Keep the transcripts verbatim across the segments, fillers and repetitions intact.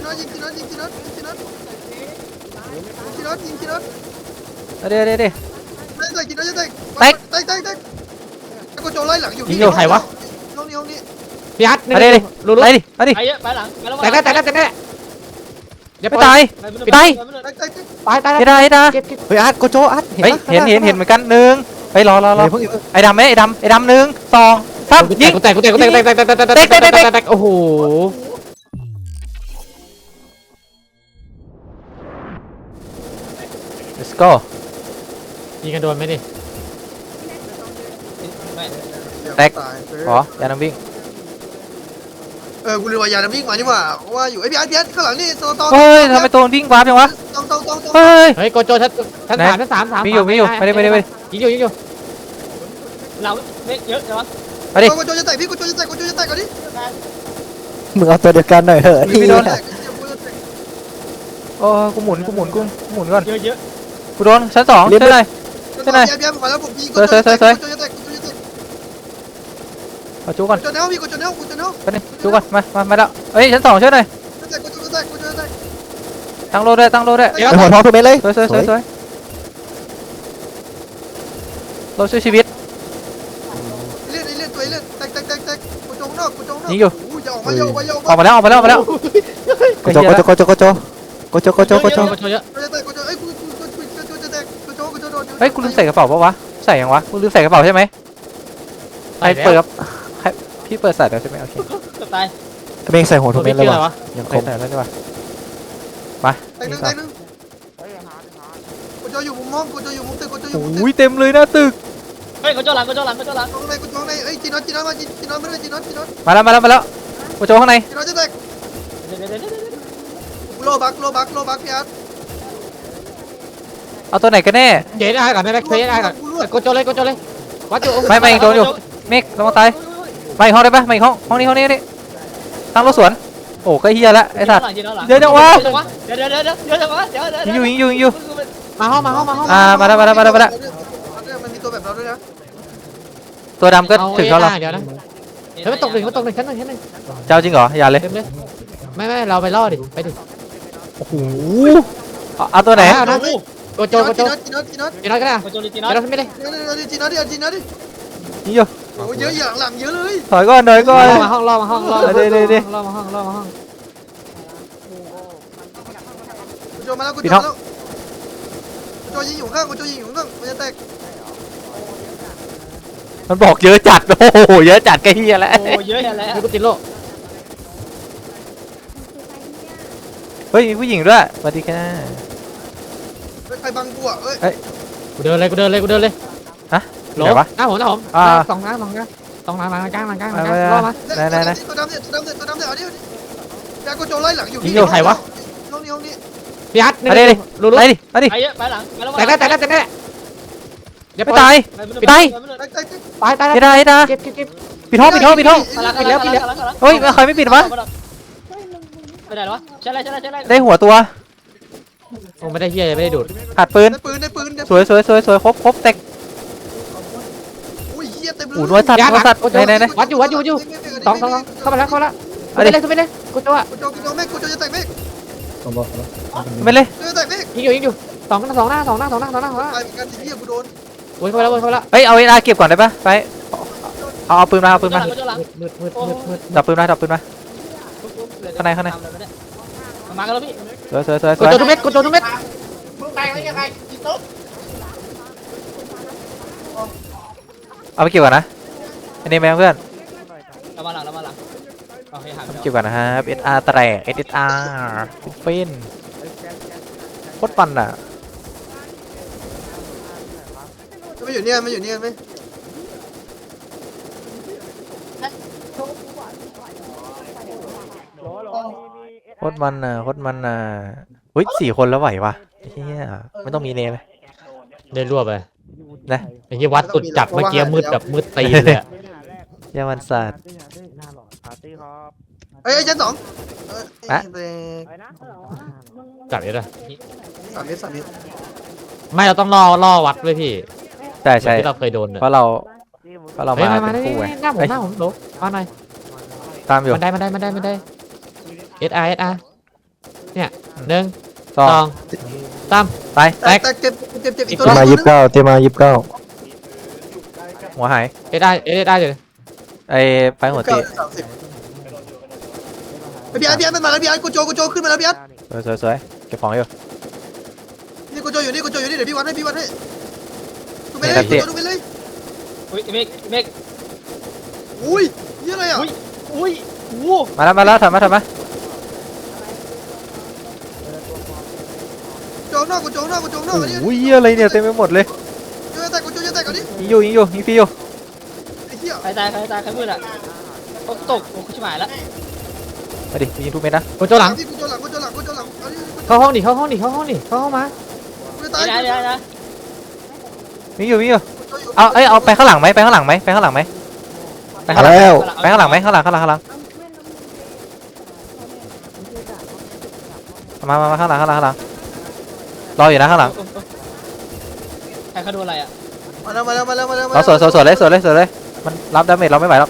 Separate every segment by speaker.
Speaker 1: น็อตยิงจีน็อตยิงจีน็อตยิงจีน็อตจีน็อตยิงจีน็อต
Speaker 2: เดี๋ยวเดี๋ยวเดี๋ยว
Speaker 1: แตกจีน็อตจะแตก
Speaker 2: แตก
Speaker 1: แตกแตกแตกแล้วก็โจไล่หลังอยู่
Speaker 3: ยิงอยู่ใครวะ
Speaker 1: ห้องนี้ห้องนี้
Speaker 3: พี่ฮัท
Speaker 2: เอาดิดิ
Speaker 3: รู้รู้
Speaker 2: ไปดิไปดิ
Speaker 4: ไปเยอะไปหลังไปแล้ว
Speaker 3: แต่ได้แต่ได้แต่ได้เดี๋ยว
Speaker 2: ไม่
Speaker 3: ปล่อ
Speaker 2: ตาย
Speaker 4: ไป
Speaker 1: แตกแตกแตก
Speaker 3: ตายตาย
Speaker 2: ไม่ได้ไม่ได้
Speaker 3: เก็บเก็บ
Speaker 5: เฮ้ยอาร์ตโกโจอาร์ตเห็น
Speaker 2: เฮ้ย
Speaker 5: ปะ
Speaker 2: เห็นเห็นเห็นเหมือนกันหนึ่งไปรอรอรอ
Speaker 5: เพิ่ง
Speaker 2: ไอ้ดำไหมไอ้ดำไอ้ดำหนึ่งสองสามยิง
Speaker 3: กูแตกกูแตกกูแตกกูแตกแตกแตกแตกแตกแตกแตกแตกแตกโอ้โห
Speaker 2: let's go
Speaker 3: ยิงกันโดนไหมดิ
Speaker 2: แตก ขอยาน้ำวิ่ง
Speaker 1: เออกูเลยว่ายาน้ำวิ่งมานี่หว่าว่าอยู่ไอ้พี่อาร์ตพี่อาร์ตข้างหลังนี่ตองตอง
Speaker 2: เฮ้ยทำไมตัวมันวิ่งวาร์ปจังวะ
Speaker 1: ตองตองตองตอง
Speaker 2: เฮ้ย
Speaker 3: เฮ้ยโกโจชั้นชั้นสามชั้นสามสาม
Speaker 2: มีอยู่มีอยู่ไปดิไปดิไปดิ
Speaker 3: ยิงอยู่ยิงอยู่
Speaker 4: เราเยอะใช่ไหม
Speaker 2: ไปดิ
Speaker 1: กูโจจะแตกพี่กูโจจะแตกกูโจจะแตกก่อนดิ
Speaker 5: มึงเอาตัวเดียวกันหน่อยเหอะ
Speaker 2: ไม่โดน
Speaker 1: แตกกูจะแตก
Speaker 2: โอ้กูหมุนกูหมุนกูหมุนก่อน
Speaker 4: เยอะเยอะ
Speaker 2: กูโดนชั้นสองใช่ไหม
Speaker 1: ใช่ไหมพี่อาร์ตขอแล้วผมพี่กูโจจะแตกกูโจจะแตกกูโจจะแตก
Speaker 2: เอาจูก่อน
Speaker 1: กูโจเน่าพี่กูโจเน่ากูโจเน่า
Speaker 2: ไปดิจูก่อนมามามาแล้วเฮ้ยชั้นสองช่วยหน่อย
Speaker 1: แตกกูโจจะแตกกูโจจะแตก
Speaker 2: ตั้งโลด้วยตั้งโลด้วย
Speaker 5: ไอ้หัวทองทุกเม็ดเลย
Speaker 2: สวยสวยสวยสวยโลช่วยชีวิต
Speaker 1: เลื่อนเลื่อนตัวเลื่อนแตกแตกแตกแตกกูโจนอกกูโจนอก
Speaker 2: ยิงอยู่
Speaker 1: อู้จะออกมาเยอะมาเยอะ
Speaker 2: ออกมาแล้วออกมาแล้วออกมาแล้ว
Speaker 5: โกโจโกโจโกโจโกโจโกโจโกโจโกโจ
Speaker 3: โกโจเยอะ
Speaker 1: กูจะแตกกูจะเอ้ยกูกูกูกูกูจะแตกกูโจกูโจโดน
Speaker 2: เฮ้ยกูลืมใส่กระเป๋าปะวะใส่ยังวะกูลืมใส่กระเป๋าใช่ไหมใครเปิดใครพี่เปิดใส่แล้วใช่ไหมโอเค
Speaker 4: ตาย
Speaker 5: ทำไมใส่หัวทุกเม็ดเลยวะยังค
Speaker 2: ใส่
Speaker 5: ม
Speaker 2: ใส่แล้วใช่ปะมา
Speaker 1: แตกหนึ่งแตกหนึ่งกูโจอยู่มุมห้องกูโจอยู่มุมตึกกูโจอยู่มุมตึก
Speaker 2: โอ้ยเต็มเลยหน้าตึก
Speaker 4: เฮ้ยก็จ้าหลังก็จ้าหลังก็จ้าหลัง
Speaker 1: ตรงไหนกูตรงไหนเอ้ยจีนอตจีนอตมาจีนอตไม่ได้จีนอตจีนอต
Speaker 2: มาแล้วมาแล้วมาแล้วกูโจข้างใน
Speaker 1: จีนอตจะแตก
Speaker 4: เดี๋ยวเดี๋ยวเดี๋ยว
Speaker 1: โลบักโลบักโลบักพี่อาร์ต
Speaker 2: เอาตัวไหนกันแน่
Speaker 3: เดี๋ยวได้ก่อนได้ไหมเคยได้ก่อนโกโจเลยโกโจเลยวัดอยู่
Speaker 2: ไม่ไม่โดนอยู่เมฆระวังตายมาอีกห้องได้ปะมาอีกห้องห้องนี้ห้องนี้นี่ตั้งรถสวนโอ้ก็เฮียละไอ้สัตว์ เดี๋ยวเดี๋ยววะ
Speaker 4: เดี๋ยวเดี๋ยวเดี๋ยวเดี๋ยวเดี๋ยวเดี๋ยวเดี๋ยว
Speaker 2: ยิงอยู่ยิงอยู่ยิงอยู่
Speaker 3: มาห้องมาห้องมาห้อง
Speaker 2: อ่ามาแล้วมาแล้วมาแล้วมาแล้ว
Speaker 1: มันมีตัวแบบเราด้วยนะ
Speaker 2: ตัวดำก็ถึงเขาแล้ว
Speaker 3: เดี๋ยวนะเฮ้ยมันตกหนึ่งมันตกหนึ่งชั้นหนึ่งชั้นหนึ่ง
Speaker 2: เจ้าจริงเหรออย่าเลย
Speaker 3: เต็มเลยไม่ไม่เราไปล่อดิไปดิ
Speaker 2: โอ้โหเอาเอาตัวไหน
Speaker 3: เอานะโกโจ
Speaker 1: จีนอ
Speaker 3: โก
Speaker 1: ต
Speaker 3: โจ
Speaker 1: จีนอตจีนอตจีนอต
Speaker 3: จีนอยก็ได้
Speaker 4: ก็จ้าจีน
Speaker 3: จีนอยไม่ได้
Speaker 1: จีนอตจีนอตดิจีนอตดิ
Speaker 2: ยิงอยู่
Speaker 1: โอ้เยอะอย่างหลังเยอะเลย
Speaker 2: ถอยก่อนถอยก่อน
Speaker 3: ล่อมาห้องล่อมาห้องล่อมาห้อง
Speaker 2: เดี๋ยวเดี๋ยวเดี๋ยว
Speaker 3: ล่อมาห้องล่อมาห้อง
Speaker 1: กูโจมาแล้วกูโจแล้วกูโจยิงอยู่ข้างกูโจยิงอยู่ข้างมันจะแตก
Speaker 2: มันบอกเยอะจัดโอ้โหเยอะจัดก็เฮียแล้ว
Speaker 4: โอ้เยอะแล้ว
Speaker 3: นี่กูติดโล
Speaker 2: เฮ้ยมีผู้หญิงด้วยสวัสดีค่ะ
Speaker 1: ใครบังกูอ่ะเอ้ย
Speaker 3: กูเดินเลยกูเดินเลยกูเดินเลย
Speaker 2: ฮะ
Speaker 3: หล
Speaker 2: ไหน
Speaker 3: บ
Speaker 2: วะ
Speaker 3: หน้าผมหน้าผม
Speaker 2: อ่า
Speaker 3: สองหน้าสองหน้าสองหน้าหลังกลางหลังกลางหลังก
Speaker 2: ไป
Speaker 3: ลาง
Speaker 2: ไป
Speaker 3: ล่อมา
Speaker 2: ไหนไหนไหน
Speaker 1: ตัวดำเนี่ยตัวดำเนี่ยตัวดำเนี่ยเอาดิยากูโจไล่หลังอยู่
Speaker 2: ยิงอยู่ใครวะ
Speaker 1: ห้องนี้ห้องนี้
Speaker 3: พี่ฮัท
Speaker 2: มาดิดิ
Speaker 3: รู้รู้
Speaker 2: ไปดิไปดิ
Speaker 4: ไปเยอะไปหลังไปแล้ว
Speaker 3: แต่ได้แต่ได้แต่ได้เดี๋ยว
Speaker 2: ไม่
Speaker 3: ตา
Speaker 2: ตาย ย
Speaker 1: แตกแตกแตก
Speaker 3: ตายตาย
Speaker 2: ไม่ได้ไม่ได้
Speaker 3: เก็บเก็บเก็บ
Speaker 2: ปิดห้องปิดห้องปิดห้อง
Speaker 4: ปิดแล้วปิดแล้ว
Speaker 2: เฮ้ยใครไม่ปิดวะ
Speaker 4: ไปไหนวะใช่ไรใช่ไรใช่ไร
Speaker 2: ได้หัวตัว
Speaker 3: โอ้ไม่ได้เฮียไม่ได้ดูด
Speaker 2: ขาดปืน
Speaker 1: ได้ปืนได้ปืนได้
Speaker 2: สวยสวยสวยสวยครบครบแตก
Speaker 1: อุ้ยเหี้ยเต็มเลย
Speaker 2: หูน้อยสัตว์น้อยสัตว์ไหนไหนไหน
Speaker 3: วัดอยู่วัดอยู่วัดอยู่สองสองสองเข้ามาแล้วเข้ามาแล้ว
Speaker 2: เอา
Speaker 3: ไป
Speaker 2: ดิ
Speaker 3: เลยขึ้นไปเลยกูจะว่า
Speaker 1: กูโจกูโจเมฆกูโจจะแตกเมฆ
Speaker 2: ไม่เลย
Speaker 1: โจจะแตกเมฆ
Speaker 3: ยิงอยู่ยิงอยู่สองสองหน้าสองหน้าสองหน้าสองหน้าสองหน้า
Speaker 1: ตายเหมือนกันเหี้ยกูโดน
Speaker 3: วนเข้าไปแล้ววนเข้าไปแล้ว
Speaker 2: เฮ้ยเอาเวลาเก็บก่อนได้ปะไปเอาเอาปืนมาเอาปืนมา
Speaker 4: ก็จ้าหลัง
Speaker 3: มืดมืดมืดมืด
Speaker 2: ดับปืนมาดับปืนมาข้างในข้างใน
Speaker 4: มากันแล้วพี่
Speaker 2: สวยสวยสวยส
Speaker 3: กู
Speaker 2: วย
Speaker 3: โจทุกเม็ดกูโจทุกเม็ด
Speaker 2: เอาไปเก็บก่อนนะอันนี้แม่เพื่อน
Speaker 4: เรามาหลังเรามาหลังโอเคหา
Speaker 2: เอาไปเก็บก่อนนะครับ เอส อาร์ แตก เอส อาร์ ฟินโคตรปั่นอ่ะ
Speaker 1: ไม่อยู่เนี่ยไม่อยู่เนี่ยไหม
Speaker 2: โคตรมันอ่ะโคตรมันอ่ะเฮ้ยสี่คนแล้วไหววะเฮียไม่ต้องมีเนไหม
Speaker 3: ได้รวบไป
Speaker 2: นะ
Speaker 3: ไอ้ยี่วัดสุดจัดเมื่อกี้มืดแบบมืดตีเลย
Speaker 2: เยาวันสัตว์
Speaker 1: เอ้ยชั้นสองเอ้ย
Speaker 3: จับเยอะเลย
Speaker 1: สามเมตรสามเมตร
Speaker 3: ไม่เราต้องล่อล่อวัดด้วยพี่
Speaker 2: ใช่ใช่
Speaker 3: ที่เราเคยโดนเนี่ย
Speaker 2: เพราะเราเพราะเรา
Speaker 3: เฮ้ย
Speaker 2: มา
Speaker 3: มามา
Speaker 2: เป็น
Speaker 3: ได้
Speaker 2: คู่ไง
Speaker 3: หน้าผม
Speaker 2: เฮ้ย
Speaker 3: หน้าผมโหลมาหน่อย
Speaker 2: ตามอยู่
Speaker 3: มันได้มันได้มันได้มันได้เอสอาร์เอสอาร์เนี่ยหนึ่ง
Speaker 2: สอ
Speaker 3: สอง งสาม
Speaker 2: ตาย
Speaker 1: แตกแตกเจ็บเจ็บเจ็บอีก
Speaker 5: เต
Speaker 1: ตัว
Speaker 5: รียมมา
Speaker 1: นึ
Speaker 5: ยิ
Speaker 1: ง
Speaker 5: บเก้าเตรียมมายิบเก้า
Speaker 2: หัวหาย
Speaker 3: เอ้ได้เอ้ได้เลย
Speaker 2: ไอ้ไปหัวตี
Speaker 1: สามสิบไอ้พี่อาร์พี่อาร์มันมาแล้วพี่อาร์กูโจกูโจขึ้นมาแล้วพี่อาร์
Speaker 2: สวยสวยสวยเก็บของอยู่
Speaker 1: นี่กูโจอยู่นี่กูโจอยู่นี่เดี๋ยวพี่วันให้พี่วันให้ดูไปเลยดูไปเลย
Speaker 4: อุ้ยเมกเมก
Speaker 1: อุ้ยนี่อะไรอ่ะ
Speaker 4: อุ้ยอุ้ยวู้
Speaker 2: มาแล้วมาแล้วถอยมาถอยมา
Speaker 1: โจนอกกูโจนอกกูโจนอกอันนี้
Speaker 2: โอ้ยเหี้ยอะไรเนี่ยเต็มไปหมดเลย
Speaker 1: โจจะแตกกูโจจะแตกก่อนดิ
Speaker 2: ยิงอยู่ยิงอยู่ยิงฟรีอยู่
Speaker 1: ไอ้เหี้ย
Speaker 4: ใครตายใครตายใครมืดอ่ะตกตกโอ้ชิบหายแล้ว
Speaker 2: มาดิยิงทุกเม็ดนะ
Speaker 3: โกโจหลัง
Speaker 1: กูโจหลังกูโจหลังกูโจหลังเอาดิ
Speaker 3: เข้าห้องดิเข้าห้องดิเข้าห้องดิเข้าห้องมา
Speaker 1: กูจะตาย
Speaker 4: ได้ได้ได้
Speaker 2: ยิงอยู่ยิงอยู่
Speaker 1: กูโจอยู่
Speaker 2: เอาเอ้ยเอาไปข้างหลังไหมไปข้างหลังไหมไปข้างหลังไหมไปข้างหลัง
Speaker 5: แล้ว
Speaker 2: ไปข้างหลังไหมข้างหลังข้างหลังข้างหลังมามามาข้างหลังข้างหลังข้างหลังรออยู่นะข้างหลัง
Speaker 4: ใครเขาโดนอะไรอ่ะ
Speaker 1: มาแล้วมาแล้วมาแล้วมาแล้ว
Speaker 2: เราสวนสวนสวนเลยสวนเลยสวนเลยมันรับดาเมจเราไม่ไหวแล้ว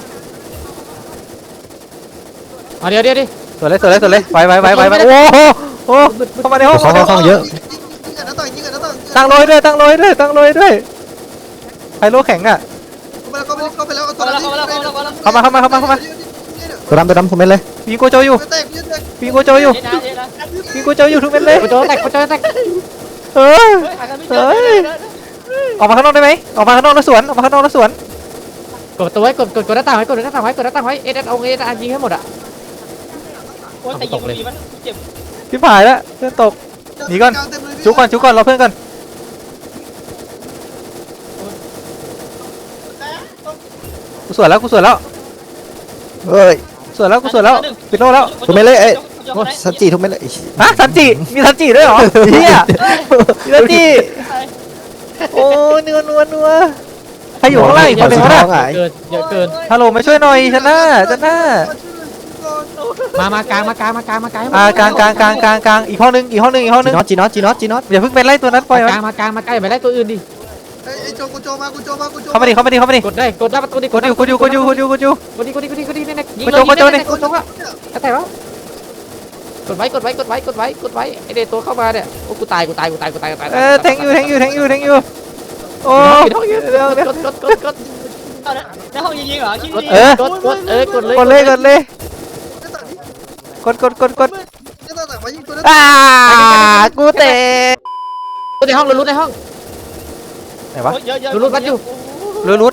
Speaker 3: เอาเดี๋ยวเดี๋ยวดิ
Speaker 2: สวนเลยสวนเลยสวนเลยไปไปไปไปไปโอ้โหโอ้โหเข้ามาในห้อง
Speaker 5: เข้าห้องเยอะ
Speaker 1: ยิงกันนะต่อยยิงกันนะต่อย
Speaker 2: ตั้งโรยด้วยตั้งโรยด้วยตั้งโรยด้วยไฮโลแข็งอ่ะ
Speaker 1: เข้าไปแล้วเข้าไปแล้วเข้าไปแล้ว
Speaker 4: เข้ามาแล้วเข้ามาแล้วเข้ามาแล้ว
Speaker 2: เข้ามาเข้ามาเข้ามาเข้ามา
Speaker 5: ตัวดำตัวดำคอมเมนต์เลย
Speaker 2: ยิงโกโจอยู่
Speaker 1: แตกแตก
Speaker 2: ยิงโกโจอยู่
Speaker 4: เจ๊นะเจ๊นะ
Speaker 2: ยิงโกโจอยู่ทุกเม็ดเลย
Speaker 3: โกโจแตกโกโจแตก
Speaker 2: เออ
Speaker 4: เฮ้ยหากันไม่เจอ
Speaker 2: ออกมาข้างนอกได้ไหมออกมาข้างนอกแล้วสวนออกมาข้างนอกแล้วสวน
Speaker 3: กดตัวไว้กดกดกดหน้าต่างไว้กดหน้าต่างไว้กดหน้าต่างไว้เอ็ดเอาเอ็ดยิงให้หมดอ่ะ
Speaker 4: โอ้ยแต่ยิงมันดีมันเจ็บ
Speaker 2: พี่ผายแล้วเพื่อนตกชุกก่อนชุกก่อนรอเพื่อนก่อนกูสวนแล้วกูสวนแล้ว
Speaker 5: เฮ้ย
Speaker 2: สวนแล้วกูสวนแล้วปิดโลแล้ว
Speaker 5: ทุกเม็ดเลยเอ้ยโอ้สันจีทุกเม็ดเลย
Speaker 2: ฮะซันจิมีซันจิด้วยเหรอเฮียมีซันจิโอ้นัวนัวนัวใครอยู่ข้างล่างอีกคนหนึ่งวะ
Speaker 3: เกินเยอะเกิน
Speaker 2: ฮัลโหลมาช่วยหน่อยชนะชนะ
Speaker 3: มามากลางมากลางมากลางมากลาง
Speaker 2: อ่ากลางกลางกลางกลางกลางอีกห้องนึงอีกห้องนึงอีกห้องนึ
Speaker 5: จี
Speaker 2: ง
Speaker 5: น็อตจีน็อตจีน็อตจีน็อต
Speaker 2: อย่าเพิ่งไปไล่ตัวนั้นปล่อย
Speaker 3: กลางมากลางมาใกล้ไปไล่ตัวอื่นดิ
Speaker 1: ไอ้โจกูโจมากูโจมากูโจ
Speaker 2: เข้ามาดิเข้ามาดิเข้ามาดิ
Speaker 3: กดได้กดได้ประตูดิ
Speaker 2: กดอยู่กดอยู่กดอยู่กดอยู่กดอยู่
Speaker 3: กดดิกดดิกดดิกดดินี่ยิง
Speaker 2: กดโจกดโจดิ
Speaker 3: กดโจอ่ะแต่แล้วกดไว้กดไว้กดไว้กดไว้กดไว้ไอเด็กตัวเข้ามาเนี่ยโอ้กูตายกูตายกูตายกูตายกูตาย
Speaker 2: เออแทงอยู่แทงอยู่แทงอยู่แทงอยู่โอ้
Speaker 3: กด
Speaker 2: เดี๋ยวเดี๋ยว
Speaker 3: กดกดกดกด
Speaker 4: เอาในห้องยิงเหรอยิง
Speaker 2: เออ
Speaker 3: กดกดเออกดเลย
Speaker 2: กดเลยกดเลยกดกดกดกด
Speaker 1: จะต่างมายิงตัวนั้น
Speaker 2: อ่ากูเตะ
Speaker 3: กดในห้องลุ้นในห้อง
Speaker 2: ไหนวะ
Speaker 4: เยอะเยอะ
Speaker 2: รุดรุด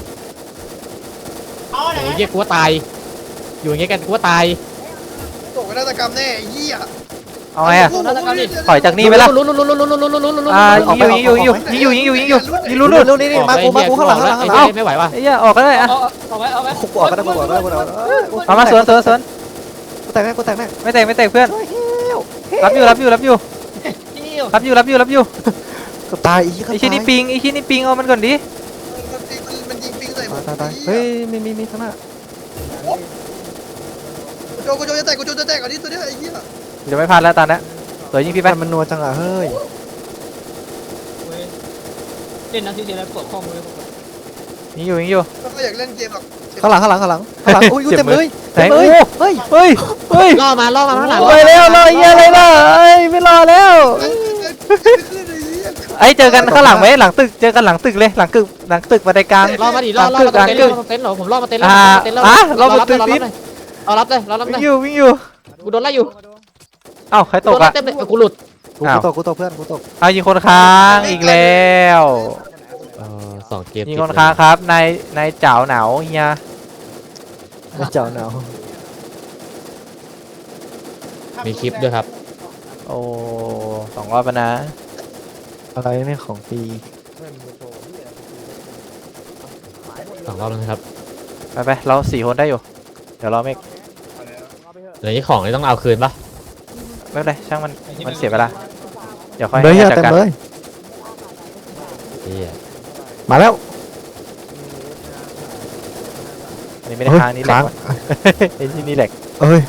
Speaker 3: โอ้ยเยี่ยกูว่าตายอยู่อย่างเงี้ยกันกูว่าตาย
Speaker 1: ตกนาฏกรรมแน่เหี้ย
Speaker 2: เอาไงอะถอยจากนี่ไปละ
Speaker 3: ลุ้นลุ้นลุ้นลุ้นลุ้นลุ้นลุ้นลุ้นลุ้น
Speaker 2: อ่ายิงอยู่ยิงอยู่ยิงอยู่ยิงอยู่ยิงอยู่ยิงอยู่ยิงลุ้นลุ้น
Speaker 5: ลูกนี่นี่มากูมากูข้างหลังข้างหลังข้างหลัง
Speaker 3: ไม่ไหวว่ะ
Speaker 2: ไอ้เหี้ยออกก็ได้อะ
Speaker 4: เอาเอาไว้เอาไว้
Speaker 5: กูออกก็ได้กูออกก็ได้กูออกก็ได้
Speaker 2: เอามาสวนสวนสวน
Speaker 5: กูแตกแน่กูแตกแน่
Speaker 2: ไม่แตกไม่แตกเพื่อนรับอยู่รับอยู่รับอยู่
Speaker 4: จิ้ว
Speaker 2: รับอยู่รับอยู่รับอยู่
Speaker 5: ก็ตายอีก
Speaker 2: ไอ้ชิ้นนี้ปิงไอ้ชิ้นนี้ปิงเอามันก่อนดิ
Speaker 1: มันยิงปิงใส่ผม
Speaker 5: ตายตายเฮ้ยมีมีมีข้างหน้า
Speaker 1: กูโจกูโจจะแตกกูโจจะแตกอันนี้ตัวนี้ไอ้เหี้ย
Speaker 2: เดี๋ยวไม่พลาดแล้วตอนนี้สวยยิงพี่ไป
Speaker 5: มันนัวจังอ่ะเฮ้ย
Speaker 4: เล่นนักที่เสียแล้วปวดข้อมือ
Speaker 2: ยิงอยู่ยิงอยู่
Speaker 1: ก็อยากเล่นเกมหรอก
Speaker 5: ข้างหลังข้างหลังข้างหลังข้างหลังอุ้ยเต็มเลย
Speaker 2: ไหนโอ้เฮ้ยเฮ้ยเฮ้ย
Speaker 3: ล่อมาล่อมาข้างหลัง
Speaker 2: ไปแล้วรอเหี้ยอะไรล่ะเอ้ยไม่รอแล้วไอ้เจอกันข้างหลังไหมหลังตึกเจอกันหลังตึกเลยหลังตึกหลังตึกบันไดกลาง
Speaker 3: ล่อมาดิล่อล่อมาเต็นท์ล่อมาเต็นท์เหรอผมล่อมาเต็นท์ล่อมาเต็นท์ล่อรับเลยเอารับเลยเรารับเล
Speaker 2: วิ่
Speaker 3: ย
Speaker 2: งอยู่วิ่งอยู่
Speaker 3: กูโดนไล่อยู่
Speaker 2: เอ้าใครต
Speaker 3: โด
Speaker 2: ก
Speaker 3: นไล่
Speaker 2: อ่ะ
Speaker 3: เต็มเลยกูหลุด
Speaker 5: กูกูตกกูตกเพื่อนกูตก
Speaker 2: เอายิงคนค้างอีกแล้ว
Speaker 3: เออสองเกม
Speaker 2: ยิงคนค้างครับนายนายเจ๋าหนาวเฮีย
Speaker 5: ไม่เจ้าหนาว
Speaker 3: มีคลิปด้วยครับ
Speaker 2: โอ้สองรอบแล้วนะ
Speaker 5: อะไรเนี่ยของฟรี
Speaker 3: สองรอบแล้วนะครับ
Speaker 2: ไปไปเราสี่คนได้อยู่เดี๋ยวเราไม่
Speaker 3: เดี๋ยวนี้ของนี่ต้องเอาคืนปะ
Speaker 2: ไม่เป็นไรช่างมันมันเสียเวลาเดี๋ยวค่อย
Speaker 5: เลย
Speaker 2: ให้
Speaker 5: อะ
Speaker 2: จัด
Speaker 5: เต็ม
Speaker 2: การ
Speaker 5: เลย
Speaker 3: เฮีย
Speaker 5: มาแล้ว
Speaker 2: อันนี้ไม่ได้ค้างนี่แหลกว่ะไอ้ที่นี่แหลก
Speaker 5: เอ้ย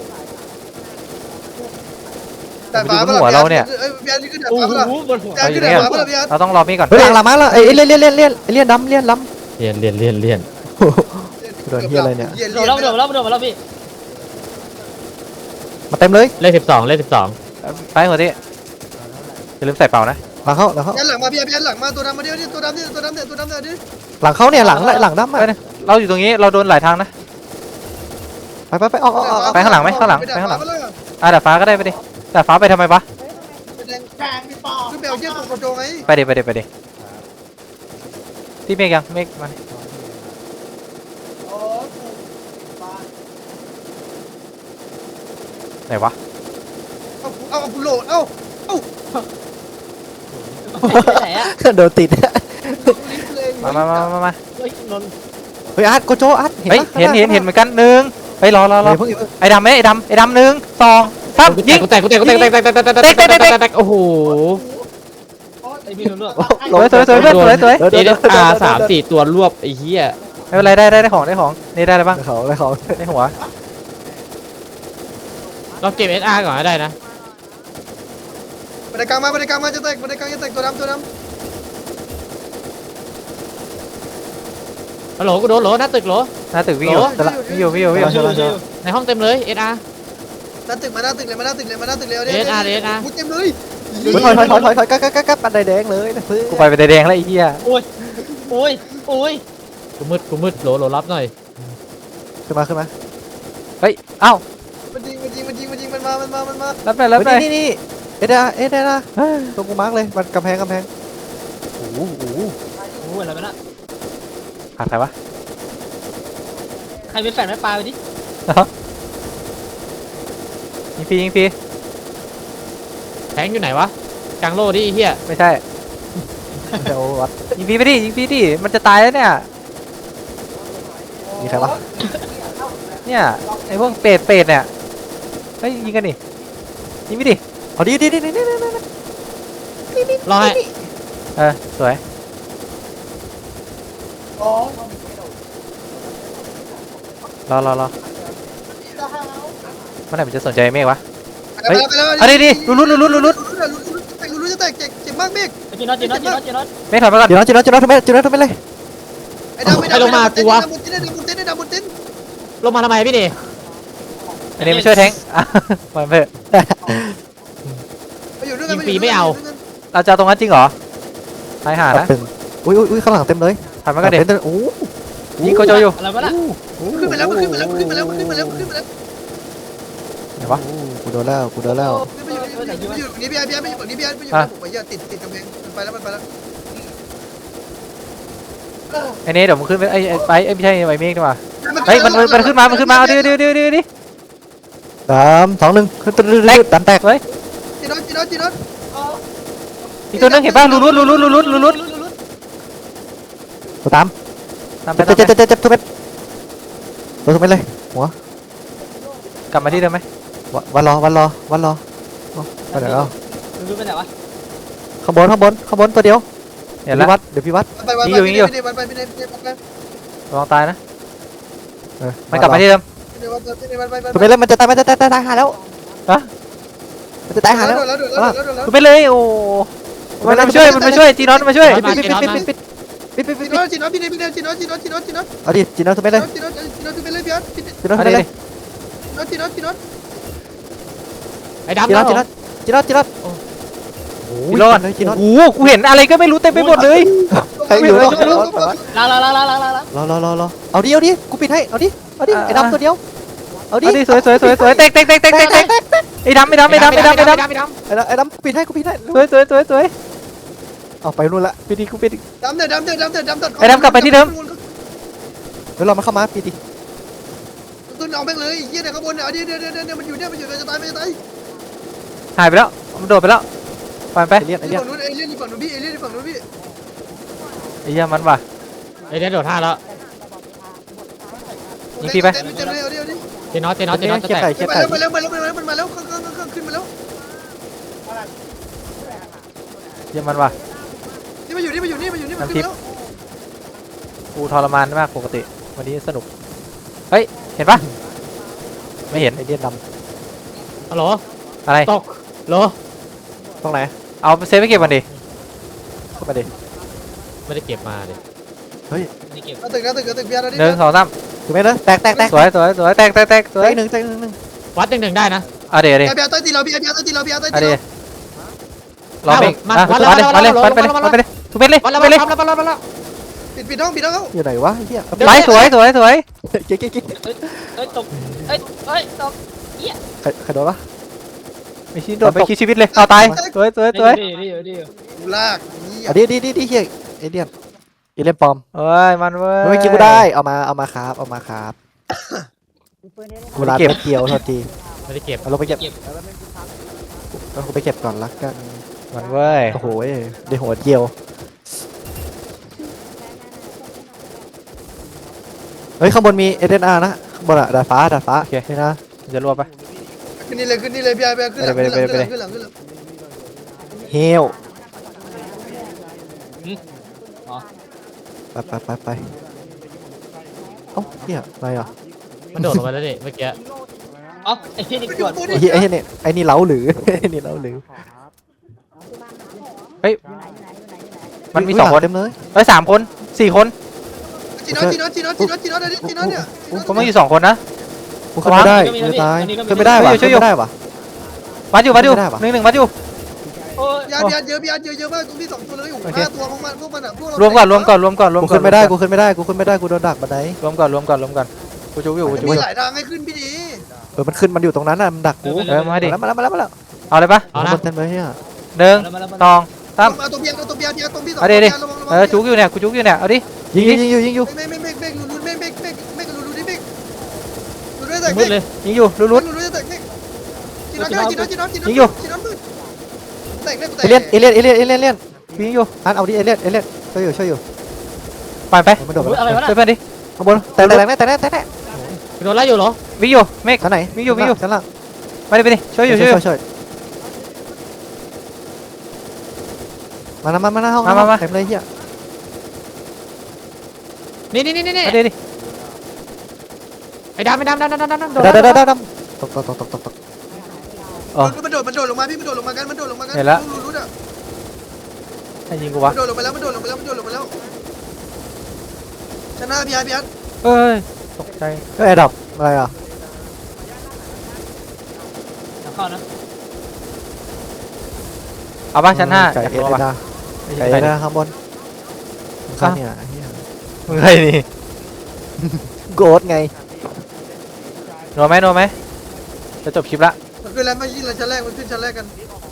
Speaker 1: แต่ฟ้าเอ้ยพี่อาร์นี่ขึ้นแต่
Speaker 4: โอ้
Speaker 1: ฟ้า
Speaker 4: โห
Speaker 1: เปล่า
Speaker 4: บนหัว
Speaker 1: พี่อาร์ขึ้นแต่ฟ้าเปล่าพี่อาร์
Speaker 2: เราต้องรอมีก่อน
Speaker 5: เฮ้ยหลังหลังมาแล้วเอ้ยเลี่ยนเลี่ยนเลี่ยนเลี่ยนเลี่ยนดำเลี่ยนล้
Speaker 3: เลียนเลียนเลียนเลียน
Speaker 5: ำโดนเฮียอะไรเนี่ย
Speaker 4: โดนแล้วโดนแล้วโดนแล้วพี่
Speaker 5: มาเต็มต็มเลย
Speaker 3: เลขสิบสองเลขสิบสอง
Speaker 2: ไปหัวที่อย่าลืมใส่เป่านะ
Speaker 5: หลังเขาหลังเขา
Speaker 1: ยันหลังมาพี่ยันหลังมาตัวดำมาเดียวนี่ตัวดำนี่ตัวดำเนี่ยตัวดำเนี่ยดิ
Speaker 5: หลังเขาเนี่ยหลังหลังดำมา
Speaker 2: ไปนะเราอยู่ตรงนี้เราโดนหลายทางนะ
Speaker 5: ไปไปไปออกออกออก
Speaker 2: ไปข้างหลังไหมข้างหลังไปข้างหลัง
Speaker 1: ไปเลย
Speaker 2: อ่ะดาดฟ้าก็ได้ไปดิดาดฟ้าไปทำไมปะ
Speaker 1: ไปแดงกลางพี่ปอขึ้นไปเอาเชือกของโจไง
Speaker 2: ไปดิไปดิไปดิที่เมฆยังเมฆมาดิไหนวะ
Speaker 1: เอาเอาเอาโหลดเอาเอา
Speaker 4: ไปไหนอะ
Speaker 5: โดนติด
Speaker 2: มามามามามา
Speaker 4: เฮ้ยนนท์
Speaker 5: เฮ้ยอาร์ตโกโจอาร์ต
Speaker 2: เฮ้ยเห็นเห็นเห็นเหมือนกันหนึ่งไปรอรอรอ
Speaker 5: เพิ่ง
Speaker 2: ไอ้ดำไหมไอ้ดำไอ้ดำหนึ่งสองสามยิง
Speaker 3: กูแตกกูแตกกูแตกกูแตกแตกแตกแตกแตกแตกแตกแตกแตกโอ้โห
Speaker 4: ไอ้พี่นนท์ด้วย
Speaker 2: สวยสวยสวยเพื่อนสวยสวย
Speaker 3: เอเดอาร์สามสี่ตัวรวบไอ้เหี้ย
Speaker 2: ไม่เป็นไรได้ได้ได้ของได้ของนี่ได้อะไรบ้าง
Speaker 5: เขาอะไรเขา
Speaker 2: ได้หัว
Speaker 3: เราเก็บเอสอาร์ก่อนก็ได้นะ
Speaker 1: บันไดกลางมาบันไดกลางมาจะแตกบันไดกลางจะแตกตัวดำตัวดำ
Speaker 3: ฮัลโหลกูโดนโหลหน้าตึกโหล
Speaker 2: หน้าตึกวิ่งอยู่วิ่งอยู่วิ่งอยู่วิ่งอยู่
Speaker 3: ในห้องเต็มเลยเอสอาร์
Speaker 1: หน้าตึกมาหน้าตึกเลยมาหน้าตึกเลยมาหน้าตึกเลย
Speaker 3: เดนอาร์เดนอาร์
Speaker 1: มุดเต็มเลย
Speaker 5: ถอยถอยถอยถอยถอยกักกักกักกักปันไดแดงเลยนะเพื่อน
Speaker 2: กูไปเป็นแดงแล้วไอ้เหี้ย
Speaker 4: โอ้ยโอ้ยโอ้ย
Speaker 3: กูมืดกูมืดโหลโหลรับหน่อย
Speaker 5: ขึ้นมาขึ้นมา
Speaker 2: เฮ้ยเอ้า
Speaker 1: มันยิงมันยิงมันยิงมันยิงมันมามันมามันมา
Speaker 2: รับหน่อยรับหน่อย
Speaker 5: นี่นี่เอ็ดาเอ็ดาตรงกูมาร์กเลยมันกำแพงกำแพงโอ้โห
Speaker 4: โอ้ยอะไรไปนะ
Speaker 2: ขาดใครวะ
Speaker 4: ใครเป็นแฟนไม่ปลาไปดิ
Speaker 2: ยิงฟรียิงฟรี
Speaker 3: แทงอยู่ไหนวะกลางโลดิไอ้เหี้ย
Speaker 2: ไม่ใช่
Speaker 5: เดี๋ยววัด
Speaker 2: ยิงฟรีไปดิยิงฟรีดิมันจะตายแล้วเนี่ย
Speaker 5: มีใครวะ
Speaker 2: เนี่ยไอ้พวกเป็ดเป็ดเนี่ยเฮ้ยยิงกันดิยิงไปดิ
Speaker 5: เอาดีดีดีดีดี
Speaker 3: รอให้
Speaker 2: เออสวยรอรอรอเมื่อไหร่มันจะสนใจเมฆวะ
Speaker 1: ไปแล้วไปแล้ว
Speaker 2: เอาดิดิลุ้นลุ้นลุ้นลุ้นลุ้น
Speaker 1: ลุ้นลุ้นจะแตกเจ็บเจ็บมากเมฆ
Speaker 4: จีนอตจีนอตจีนอตจีนอต
Speaker 2: เมฆถอยมาก่อน
Speaker 5: จีนอตจีนอตจีนอตทำไมจีนอตทำไมเลย
Speaker 1: ไอ้ดำไอ้ดำดำบนเต้นดำบนเต้นดำบนเต้นดำบนเต้น
Speaker 3: ลงมาทำไมพี่นี่
Speaker 2: อันนี้มาช่วยแทงอ่ะมาเพื่อ
Speaker 1: ไปอยู่ด้วยกัน
Speaker 2: เราจะเอาตรงนั้นจริงเหรอตายห่านะ
Speaker 5: ตึงอุ้ยอุ้ยข้างหลังเต็มเลย
Speaker 2: ถอยมาก่อนเด็
Speaker 5: เต็มโอ้
Speaker 2: ยิงโกโจอยู่
Speaker 4: อะไรวะน่ะ
Speaker 1: ขึ้นมาแล้วขึ้นมาแล้วขึ้นมาแล้วขึ้นมาแล้วขึ้นมาแล้ว
Speaker 2: ไหนวะ
Speaker 5: กูโดนแล้วกูโดนแล้ว
Speaker 1: ไปอยู่ไปอยู่นี่พี่ไอ้พี่ไอ้ไปอยู่ฝั่งนี้พี่ไอ้ไปอยู่ผมไปอย่าติดติดกำแพงมันไปแล้วมันไปแล้ว
Speaker 2: ไอ้นี่เดี๋ยวมึงขึ้นไปไอ้ไปไอ้ไม่ใช่ไอ้เมฆดีกว่าเฮ้ยมันมันขึ้นมามันขึ้นมาเอาดิดิดิดิดิ
Speaker 5: สามสองหนึ่งขึ้นตึ๊ดตึ๊ดตึ๊ดตันแตก
Speaker 2: เฮ้ย
Speaker 1: จีนอตจีนอตจีนอต
Speaker 2: อีกตัวนึงเห็นป่ะลุ้นลุ้นลุ้นลุ้นลุ้นลุ้นลุ้น
Speaker 5: ตัวตาม
Speaker 2: ตามไป
Speaker 5: เจ็บ
Speaker 2: ตาม
Speaker 5: เจ็บ
Speaker 2: ไป
Speaker 5: เจ็บเจ็บทุกเม็ดตัวทุกเม็ดเลยหัว
Speaker 2: กลับมาที่เดิมไหม
Speaker 5: วันรอวันรอวันรอไปไหนแล้ว
Speaker 4: รู้ไปไหนวะ
Speaker 5: ข้างบนข้างบนข้างบนตัวเดียว
Speaker 2: เห็น
Speaker 5: เดี๋ยว
Speaker 2: แล้ว
Speaker 5: พี่วัดเดี๋ยวพี่วัด
Speaker 1: ไปไปไปไปไปไปไปไป
Speaker 2: ระวังตายนะ
Speaker 5: เออ
Speaker 2: มันกลับมาที่เดิม
Speaker 5: ทุกเม็ดเลยมันจะตายมันจะตายตายตายหาแล้วมันจะตายหาแล้ว
Speaker 1: แล้วแล้วแล้วแล้ว
Speaker 2: กูไปเลยโอ้มันมาช่วยมันมาช่วยจีนอนมาช่วย
Speaker 5: ปิดปิดปิดปิดปิดปิดปิดปิด
Speaker 1: จีนอตจีนอตพี่เนี่ยพี่เนี่ยจีนอตจีนอตจีนอตจีนอต
Speaker 5: เอาดิจีนเอาทุกเม็ดเลย
Speaker 1: จีนอตจีนอตไปเลยพี่อาร์ตจีน
Speaker 5: จีนเอา
Speaker 2: เอา
Speaker 5: ทุก
Speaker 2: ดิ
Speaker 5: เม็ดเลย
Speaker 1: อตจีนอตจีนอต
Speaker 3: ไอ้ดำ
Speaker 5: จีน
Speaker 3: นะ
Speaker 5: เอาจีนเอาจีนเอาจีนเอาโอ้
Speaker 2: จี
Speaker 5: ย
Speaker 2: นอน
Speaker 5: เลยจีนเอา
Speaker 2: โอ้โหกูเห็นอะไรก็ไม่รู้เต็มไปหมดเลย
Speaker 5: ใครอยู่รอ
Speaker 4: ล้างล้างล้างล้างล้างล้าง
Speaker 5: รอรอรอรอเอาดิเอาดิกูปิดให้เอาดิเอาดิไอ้ดำตัวเดียวเอาดิ
Speaker 2: เอาดิสวยสวยสวยสวยเตกเตกเตกเตกเตกเตกไอ้ดำไอ้ดำไอ้ดำไอ้ดำไอ้ดำ
Speaker 5: ไอ้ดำไอ้ดำกูปิดให้กูปิดให้
Speaker 2: สวยสวยสวยสวย
Speaker 5: เอาไปนู่นละ
Speaker 2: ปิดดิกูปิดดิ
Speaker 1: ดำเดือดดำเดือดดำเดือดดำเดือด
Speaker 5: เดี๋ยวเรามาเข้ามาปิดดิ
Speaker 1: ต้นเอาแม่งเลยเยี่ยเนี่ยข้างบนเนี่ยเดี๋ยวเดี๋ยวเดี๋ยวเดี๋ยวมันอยู่เนี่ยมันอยู่จะตายมันจะตาย
Speaker 2: หายไปแล้วมันโดดไปแล้วปล่อยไป
Speaker 5: ไอ้เลียนไอ้เลียน
Speaker 1: ฝั่งนู้นเอเลี่ยนฝั่งนู้นพี่เอเลี่ยนฝั่งนู้นพี่
Speaker 2: ไอ้เหี้ยมันว่ะ
Speaker 3: ไอ้เดนโดดท่าแล้ว
Speaker 1: เต็มเต็มเลยเอาดิเอาดิ
Speaker 3: เจนอตเจนอตเจนอตจะ
Speaker 5: เก็บ
Speaker 3: แต
Speaker 5: ไข่
Speaker 3: ก
Speaker 5: เก็บ
Speaker 1: มา
Speaker 5: ไข่
Speaker 1: แล้วมาแล้วมาแล้วมาแล้วมาแล้วข้างข้างข้างขึ้นมาแล้ว
Speaker 2: เหี้ยมันว่ะ
Speaker 1: นี่มาอยู่นี่มาอยู่นี่มาอยู่นี่มาขึ้นแล้ว
Speaker 2: กูทรมานมากปกติวันนี้สนุกเฮ้ยเห็นปะไม่เห็น
Speaker 5: ไอ้เลียนด
Speaker 3: ฮัลโหล
Speaker 2: อะไร
Speaker 3: ตกโหล
Speaker 5: ำตรงไหน
Speaker 2: เอาเซฟไปเก็บมันดิ
Speaker 5: เข้ามาดิ
Speaker 3: ไม่ได้เก็บมาเลย
Speaker 4: นี่เก็บ
Speaker 1: ตึกนะตึกตึกเบียร์นะดิ
Speaker 2: หนึ่งสองสาม
Speaker 5: ถูกไหมนะแตกแตกแตก
Speaker 2: สวยสวยสวยแตกแตกแตกสวย
Speaker 5: แตกหนึ่งแตกหนึ่งหนึ่ง
Speaker 3: วัดหนึ่งหนึ่งได้นะ
Speaker 2: อเอาเดี๋ยวดิ
Speaker 1: ไอ้เบียร์ต้อยตีเราเบียร์เบียร์ต้อยตีเราเบียร์ต้อย
Speaker 2: เอา
Speaker 1: ตี
Speaker 2: เดี๋ย
Speaker 1: เรา
Speaker 2: วรอเบรกมามาเลยมาเลยมาเลยมาเลยทุบไปเลย
Speaker 3: มาแล้ว
Speaker 2: ไป
Speaker 3: มา
Speaker 2: เล
Speaker 3: แล้
Speaker 2: ยว
Speaker 3: มาแล้วมาแล้ว
Speaker 1: ปิดปิดห้องปิดห้อง
Speaker 5: อยู่ไหนวะเฮีย
Speaker 2: ไปสวยสวยสวย
Speaker 5: เก๊กเก๊กเก๊ก
Speaker 4: เอ้ยตกเอ้ยเอ้ยตก
Speaker 5: ใครใครโดนวะ
Speaker 2: ไม่ชิ้นโดนไปคิดชีวิตเลยเอาตายสวยสวยสวย
Speaker 4: ดีดีดี
Speaker 1: กูลากนี่
Speaker 5: อ่ะดิดิดิดิเฮียเอเลียนเอเลียนปลอม
Speaker 2: เอ้ยมันเว้ย
Speaker 5: เมื่อกี้กูได้เอามาเอามาครับเอามาครับกูรับเก็บเกี่ยวโทษที
Speaker 3: ไม่ได้เก็บ
Speaker 5: เอาลงไปเก็บเอากูไปเก็บก่อนละกัน
Speaker 2: มันเว้ย
Speaker 5: โอ้โหเดี๋ยวหัวเกี่ยวเฮ้ยข้างบนมีเอเดนอาร์นะข้างบนอะดาดฟ้าดาดฟ้าโอเคนี่นะ
Speaker 2: จะรวบไป
Speaker 1: ขึ้นนี่เลยขึ้นนี่เลยเบียร์เบียร์ขึ้นหลังขึ้นหลังขึ้นหลังขึ้นหลังขึ้นหลัง
Speaker 5: เฮลไปไปไปไปเอ้าเฮียอะไรอ่ะ
Speaker 3: มันโดดลงไปแล้วดิเมื่อกี้
Speaker 4: เอ้าไอ้ที่นี่กด
Speaker 5: ไอ้เฮียไอ้เฮียเนี่ยไอ้นี่เล้าหรือ ไอ้นี่เล้าหรือ
Speaker 2: มันมีสองคน
Speaker 5: เต็มเลย
Speaker 2: เอ้ยสามคนสี่คน
Speaker 1: จีนอตจีนอตจีนอตจีนอตจีนอตจีนอตเนี่ย
Speaker 2: ผมไม่อยู่สองคนนะ
Speaker 5: กูขึ้นไม่ได้กูจะตายขึ้นไม่ได้ว่ะขึ้นไม่ได้ว่ะ
Speaker 2: วัดอยู่วัดอยู่
Speaker 5: ไม่ได้ปะ
Speaker 2: หนึ่งหนึ่งวัดอยู่
Speaker 4: โอ้ย
Speaker 1: ยาเบียร์เยอะเบียร์เยอะเยอะมากตรงที่สองตัวเลยอยู่ห้าตัวของมันพวกมันอ่ะพวกเรา
Speaker 2: รวมก่อนรวมก่อนรวมก่อนรวม
Speaker 5: กู
Speaker 2: ก่อน
Speaker 5: ขึ้นไม่ได้กูขึ้นไม่ได้กูขึ้นไม่ได้กูโดนดักบันได
Speaker 2: รวมก่อนรวมก่อนรวมก่อนกูจุกอยู่กูจุกอ
Speaker 1: มี
Speaker 2: ยู่
Speaker 1: หลายทางให้ขึ้นพี่ดี
Speaker 5: เออมันขึ้นมันอยู่ตรงนั้นน่ะมันดักกู
Speaker 2: เออมาดิ
Speaker 5: มาแล้วมาแล้วมาแล้ว
Speaker 2: เอาเลยปะ
Speaker 3: เอานะ
Speaker 5: คนเต็มเลยเฮีย
Speaker 2: หนึ่ง
Speaker 4: มาแล้วมา
Speaker 2: ส
Speaker 4: แล้ว
Speaker 2: องสาม
Speaker 1: เอาตัวเบียร์เอาตัวเบียร์เบียร์ตรงที่สอง
Speaker 2: เอาดิดิ
Speaker 1: ระวังระวัง
Speaker 2: เออจุกอยู่เนี่ยกูจุกอยู่เนี่ยเอาดิ
Speaker 5: ยิงยิงยิงอยู่ยิงอยู่
Speaker 1: ไม่ไม่ไม่ไม่ลุ้นไม่ไม่ไม่ไม่ลุ้นลุ้นนี่ไม่ลุ้นไม่แตก
Speaker 3: มืดเลย
Speaker 2: ยิงอยู่ลุ้น
Speaker 1: ลุ้
Speaker 2: ลุ้
Speaker 1: น
Speaker 2: น
Speaker 1: ลุ้นไม่แตกไม่จีนอตจีนอตจีนอตจีนอตจีนอต
Speaker 2: ยิงอยู่
Speaker 1: จีนอตมืดแตกได้กูแต
Speaker 5: เอก เลียนเอเลียนเอเลียนเอเลียนเอเลียน
Speaker 2: ยิงอยู่
Speaker 5: อันเอาดิเอเลียนเอเลียนช่วยอยู่ช่วยอยู่
Speaker 2: ผ่านไป
Speaker 5: มันโดดไป
Speaker 4: อะไรวะ
Speaker 2: ช่วยเพื่อนดิ
Speaker 5: ข้างบนแต่แต่แต่แต่แต่แต่
Speaker 3: โดนไล่อยู่เหรอ
Speaker 2: วิ่งอยู่เมฆ
Speaker 5: ชั้นไหน
Speaker 2: วิ่งอยู่วิ่งอยู่
Speaker 5: ชั้นล่าง
Speaker 2: ไปดิไปดิช่วยอยู่ช่วยอยู่
Speaker 5: ช่วยมาแล้วมามาหน้าห้อง
Speaker 2: มามามา
Speaker 5: เต็มเลยเฮีย
Speaker 3: นี่นี่นี่นี่
Speaker 2: เอาดิดิ
Speaker 3: ไอ้ดำไอ้ดำดำดำดำดำโดน
Speaker 5: ดาดาดาดาตกตกตกตกตกตก
Speaker 1: มันโดดมันโดดลงมาพี่มันโดดลงมากันมันโดดลงมากันลุ้นลุ้นอ่ะ
Speaker 2: ให้ยิงกูวะ
Speaker 1: มันโดดลงไปแล้วมันโดดลงไปแล้วมันโดดลงไปแล้วชนะเบียร์เบียร์
Speaker 2: เอ้ยตกใจ
Speaker 5: ก็แอร์ดับอะไรอ่ะ
Speaker 4: เข้านะ
Speaker 2: เอาบ้างชั้นห้า
Speaker 5: ไก่
Speaker 2: อยาก
Speaker 5: เอ
Speaker 2: รู้
Speaker 5: เด
Speaker 2: ป่ะ
Speaker 5: นาไก่เอเดนาข้างบนข้างเนี่ยเฮีย
Speaker 2: มึงใครนี่
Speaker 5: โกดไง
Speaker 2: นัวไหมนัวไหมจะจบคลิปละ
Speaker 1: มันขึ้นแล้วไม่ยิงเลยชั้นแรกมันขึ้นชั้นแรกกัน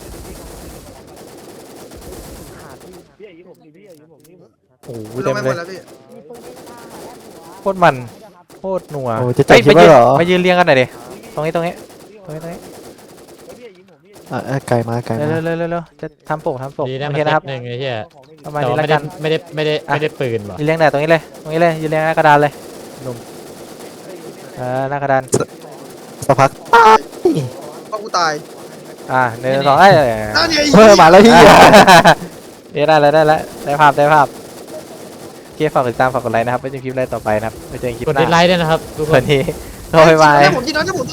Speaker 2: โอ้โห
Speaker 1: ล
Speaker 2: เต็
Speaker 1: ง
Speaker 2: ม
Speaker 1: ไปห
Speaker 2: เล
Speaker 1: มด
Speaker 2: ย
Speaker 1: แล้วพี่
Speaker 2: โคตรมันโคตรนัว
Speaker 5: โอ้จะจบ
Speaker 2: เฮ้ย
Speaker 5: คลิป
Speaker 2: มา
Speaker 5: แล้ว
Speaker 2: ยืน
Speaker 5: เหรอ
Speaker 2: มายืนเรียงกันหน่อยดิตรงนี้ตรงนี้ตรงนี้ตรงนี้
Speaker 5: อ่ะไก่มาไก่
Speaker 2: เร็ว
Speaker 5: มา
Speaker 2: เร็วเร็วเร็วจะทำปกทำปก
Speaker 3: ดีนะ
Speaker 2: โอ
Speaker 3: มัน
Speaker 2: เคนะครับ
Speaker 3: หนึ่งไอ้เหี้ย
Speaker 2: ประมาณ
Speaker 3: แต่
Speaker 2: นี้
Speaker 3: ว่า
Speaker 2: แล้ว
Speaker 3: ไม่
Speaker 2: กั
Speaker 3: ได้
Speaker 2: น
Speaker 3: ไม่ได้ไม่ได้ไม่ได้ปืนว่ะ
Speaker 2: ยืนเรียงไหนตรงนี้เลยตรงนี้เลยยืนเรียงหน้ากระดานเลยหนุ่มเออหน้ากระดาน
Speaker 5: สักพัก
Speaker 1: เพราะกูตาย
Speaker 2: อ่าหนึ่งสองเอ้ย
Speaker 1: นั่นไง
Speaker 5: เพิ่มมาแล้วเฮีย
Speaker 2: เอ้ยได้แล้วได้แล้วได้ภาพได้ภาพโอเคฝากติดตามฝากกดไลค์นะครับไว้เจอคลิปแรกต่อไปนะครับไว้เจอกันคลิป
Speaker 3: กด
Speaker 2: หน้า
Speaker 3: ดิสไลค์ด้วยนะครับทุกค
Speaker 2: วัน นนี้โดยบาย
Speaker 1: ผมจีนอตผม